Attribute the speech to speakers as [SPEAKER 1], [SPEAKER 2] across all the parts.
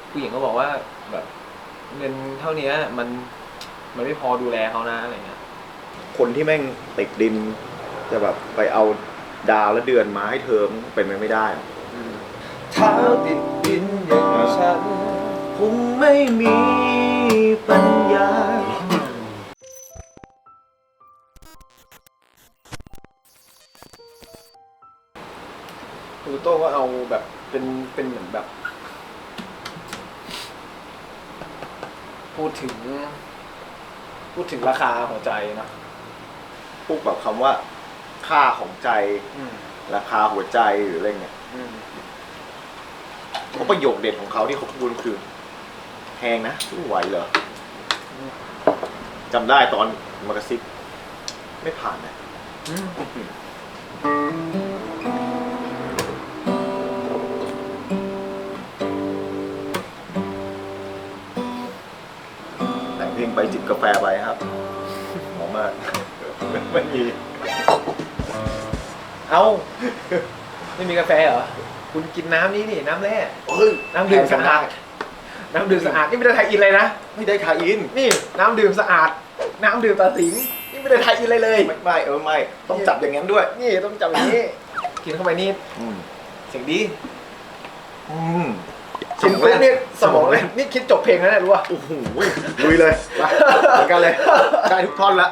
[SPEAKER 1] ผู้หญิงก็บอกว่าแบบเงินเท่านี้มันไม่พอดูแลเขานะอะไรเงี้ย
[SPEAKER 2] คนที่แม่งติดดินจะแบบไปเอาดาวและเดือนมาให้เธอเป็นไปไม่ได้
[SPEAKER 1] เท้าติดดินอย่างฉัน
[SPEAKER 2] คงไม่มีปัญญา
[SPEAKER 1] ตูโต้ก็เอาแบบเป็นเหมือนแบบพูดถึงราคาหัวใจนะ
[SPEAKER 2] พูดแบบคำว่าค่าของใจราคาหัวใจหรืออะไรเงี้ยเขาประโยคเด็ดของเขาที่เขาพูดคือแพงนะไม่ไหวเหรอจำได้ตอนมากระซิบไม่ผ่านนะแต่งเพลงไปจิบกาแฟไปครับหอมมากไม่มี
[SPEAKER 1] ไม่มีกาแฟเหรอคุณกินน้ำนี่น้ำแร่น้ำ
[SPEAKER 2] ดื่
[SPEAKER 1] ดื่มสะอาดน้ำดื่มสะอาดนี่ไม่ได้ไทยอินเลยนะ
[SPEAKER 2] ไม่ได้ทาอิน
[SPEAKER 1] นี่น้ำดื่มสะอาดน้ำดื่มตาสิงนี่ไม่ได้ไทยอินเลย
[SPEAKER 2] ไม่ต้องจับอย่างนั้นด้วย
[SPEAKER 1] นี่ต้องจับอย่างนี้กินเข้าไปนี่เสียงดีกินปุ๊บนี่สมองเลยนี่คิดจบเพลงแล้วเนี่ยรู้ป่ะ
[SPEAKER 2] โอ้โหลุยเลยเหมือนกันเลยได้ทุกท่อนละ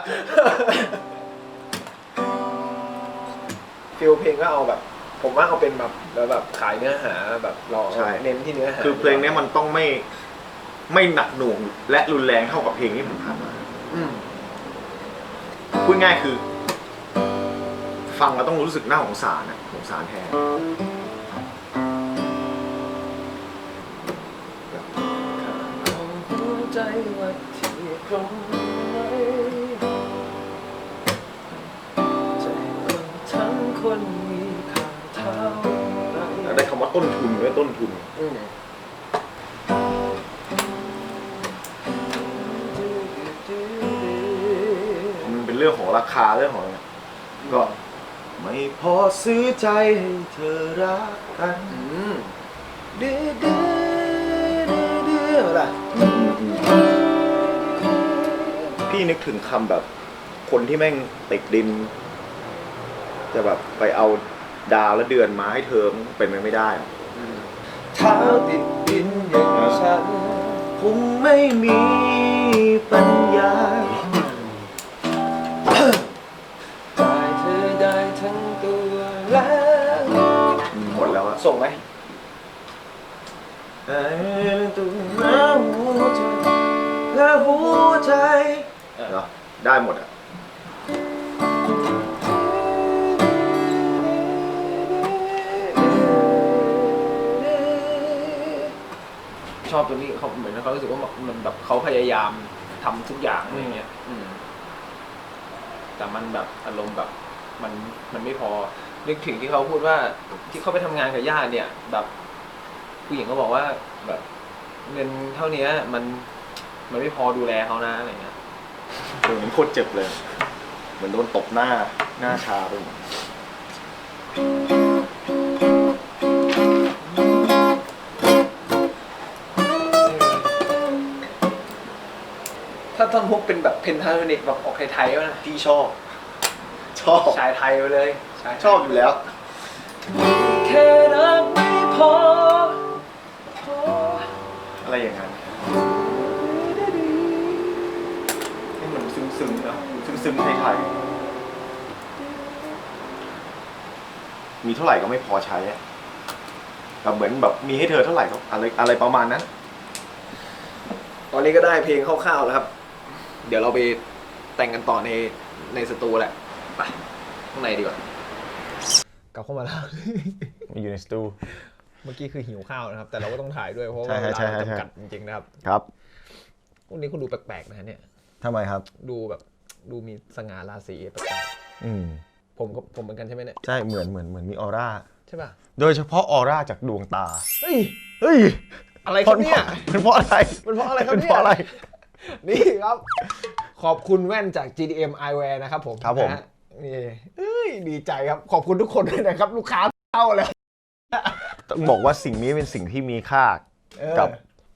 [SPEAKER 1] ฟิลเพลงก็เอาแบบผมว่าเอาเป็นแบบขายเนื้อหาแบบเราเน้นที่เนื้อหา
[SPEAKER 2] คือเพลงนี้มันต้องไม่หนักหน่วงและรุนแรงเท่ากับเพลงที่ผมผ่านมาพูดง่ายคือฟังแล้วต้องรู้สึกน่าสงสารนะสงสารแทน
[SPEAKER 1] ใจว่าที่ตรงไหนใจทั้งคนมีค่าเท่า
[SPEAKER 2] ได้คำว่าต้นทุนด้วยต้นทุนมันเป็นเรื่องของราคาเรื่องของอะไรก็ไม่พอซื้อใจให้เธอรักกัน
[SPEAKER 1] ดื้ออะไร
[SPEAKER 2] พี่นึกถึงคำแบบคนที่แม่งติดดินจะแบบไปเอาดาวและเดือนมาให้เธอเป็นไปไม่ได้
[SPEAKER 1] เท้าติดดินอย่างฉัน
[SPEAKER 2] คงไม่มีปัญญา
[SPEAKER 1] ได้เธอได้ทั้งตัวแล้ว
[SPEAKER 2] หมดแล้วอะ
[SPEAKER 1] ส่งไหม
[SPEAKER 2] และหัวใจเหรอได้หมดอ่ะ
[SPEAKER 1] ชอบตัวนี้เขาเหมือนเขารู้สึกว่ามันแบบเขาพยายามทำทุกอย่างอะไรเงี้ยแต่มันแบบอารมณ์แบบมันไม่พอนึกถึงที่เขาพูดว่าที่เขาไปทำงานกับญาติเนี่ยแบบผู้หญิงก็บอกว่าแบบเงินเท่านี้มันไม่พอดูแลเขานะอะไรเงี้ย
[SPEAKER 2] เหมือนโคตรเจ็บเลยเหมือนโดนตบหน้าชาไปหมด
[SPEAKER 1] ถ้าท่อนฮุกเป็นแบบเพนทาโทนิกแบบออกไทยๆนะ
[SPEAKER 2] พี่ชอบ
[SPEAKER 1] ชายไทยไปเลย
[SPEAKER 2] ชอบอยู่แล้ว
[SPEAKER 1] แค่รักไม่พอ
[SPEAKER 2] อะไรอย่างนั้นนี่มันซึ้งๆนะซึ้งๆไทยๆมีเท่าไหร่ก็ไม่พอใช้แบบเหมือนแบบมีให้เธอเท่าไหร่ก็อะไรประมาณนั้น
[SPEAKER 1] ตอนนี้ก็ได้เพลงคร่าวๆแล้วครับเดี๋ยวเราไปแต่งกันต่อในสตูแหละไปข้างในดีกว่ากลับเข้ามาแล้ว
[SPEAKER 2] อยู่ในสตู
[SPEAKER 1] เมื่อกี้คือหิวข้าวนะครับแต่เราก็ต้องถ่ายด้วยเพราะว่าเวลาจำกัดจริงๆนะครับ
[SPEAKER 2] ครับ
[SPEAKER 1] พวกนี้คุณดูแปลกๆนะเนี่ย
[SPEAKER 2] ทำไมครับ
[SPEAKER 1] ดูมีสง่าราศีแปลกๆผมเหมือนกันใช่ไหมเนี่ย
[SPEAKER 2] ใช่เหมือนมีออร่า
[SPEAKER 1] ใช่ป่ะ
[SPEAKER 2] โดยเฉพาะออร่าจากดวงตา
[SPEAKER 1] เฮ้ยอะไรครับเนี่ย
[SPEAKER 2] เป็นเพราะอะไร
[SPEAKER 1] ครับเนี่ยนี่ครับขอบคุณแว่นจาก GDM Eyewear นะครับผม
[SPEAKER 2] ครับผม
[SPEAKER 1] นี่ดีใจครับขอบคุณทุกคนด้วยนะครับลูกค้าเข้าแล้ว
[SPEAKER 2] ต้องบอกว่าสิ่งนี้เป็นสิ่งที่มีค่ากับ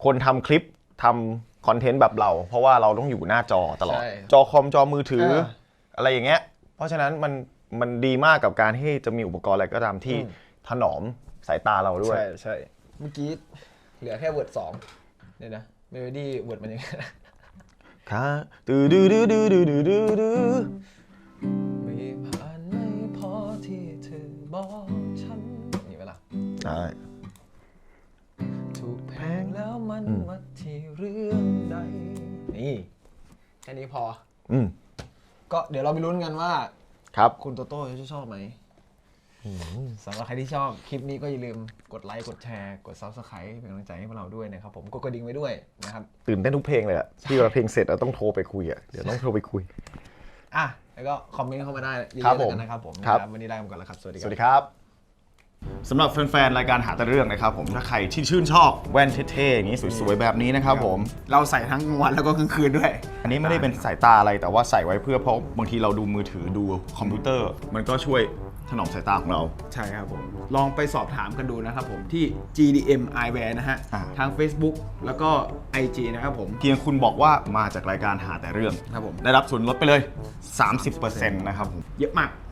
[SPEAKER 2] คนทำคลิปทำคอนเทนต์แบบเรา เพราะว่าเราต้องอยู่หน้าจอตลอด
[SPEAKER 1] ใช่
[SPEAKER 2] จอคอมจอมือถือ
[SPEAKER 1] อ่า
[SPEAKER 2] อะไรอย่างเงี้ยเพราะฉะนั้นมันดีมากกับการที่จะมีอุปกรณ์อะไรก็ตามที่ถนอมสายตาเราด้วย
[SPEAKER 1] ใช่เมื่อกี้เหลือแค่เวิร์ด2เนี่ยนะเมโลดี้เวิร์ดมันยังไง
[SPEAKER 2] ค่ะดื้อดื้อดื้อดื้อดื้อดื้อดื้อ
[SPEAKER 1] ไม่ผ่านไม่พอที่เธอบอกฉันนี่เวลา
[SPEAKER 2] ใช่
[SPEAKER 1] ถูกแพงแล้วมันวัดที่เรื่องใดนี่แค่นี้พอ ก็เดี๋ยวเราไปลุ้นกันว่า
[SPEAKER 2] ครับ
[SPEAKER 1] คุณโตโต้จะชอบไหมสำหรับใครที่ชอบคลิปนี้ก็อย่าลืมกดไลค์กดแชร์กด Subscribe เป็นกำลังใจให้พวกเราด้วยนะครับผมกดกระดิ่งไว้ด้วยนะครับ
[SPEAKER 2] ตื่นเต้นทุกเพลงเลยอะที่เวลาเพลงเสร็จเราต้องโทรไปคุยอะเดี๋ยวต้องโทรไปคุย
[SPEAKER 1] อ่ะแล้วก็คอมเมนต์เข้ามาได้เย
[SPEAKER 2] ครับ
[SPEAKER 1] อะๆ
[SPEAKER 2] ผม
[SPEAKER 1] แล้วกันนะครับผม
[SPEAKER 2] ครับ
[SPEAKER 1] วันนี้ลาไปก่อนแล้วครับสวัสดี
[SPEAKER 2] ส
[SPEAKER 1] ครับ
[SPEAKER 2] วัสดีครับสำหรับแฟนๆรายการหาแต่เรื่องนะครับผมถ้าใครที่ชื่นชอบแว่นเท่ๆอย่างนี้สวยๆแบบนี้นะครับผม
[SPEAKER 1] เราใส่ทั้งกลางวันแล้วก็กลางคืนด้วย
[SPEAKER 2] อันนี้ไม่ได้เป็นสายตาอะไรแต่ว่าใส่ไว้เพื่อเพราะบางทีเราดูมือถือดูคอมพิวเตอร์ มันก็ช่วยถนอมสายตาของเรา
[SPEAKER 1] ใช่ครับผม ลองไปสอบถามกันดูนะครับผมที่ GDM Eyewear นะฮะ ทาง Facebook แล้วก็ IG นะครับผม
[SPEAKER 2] เพียงคุณบอกว่ามาจากรายการหาแต่เรื่อง
[SPEAKER 1] ครับผม
[SPEAKER 2] ได้รับส่วนลดไปเลย 30%นะครับผม
[SPEAKER 1] เยอะมาก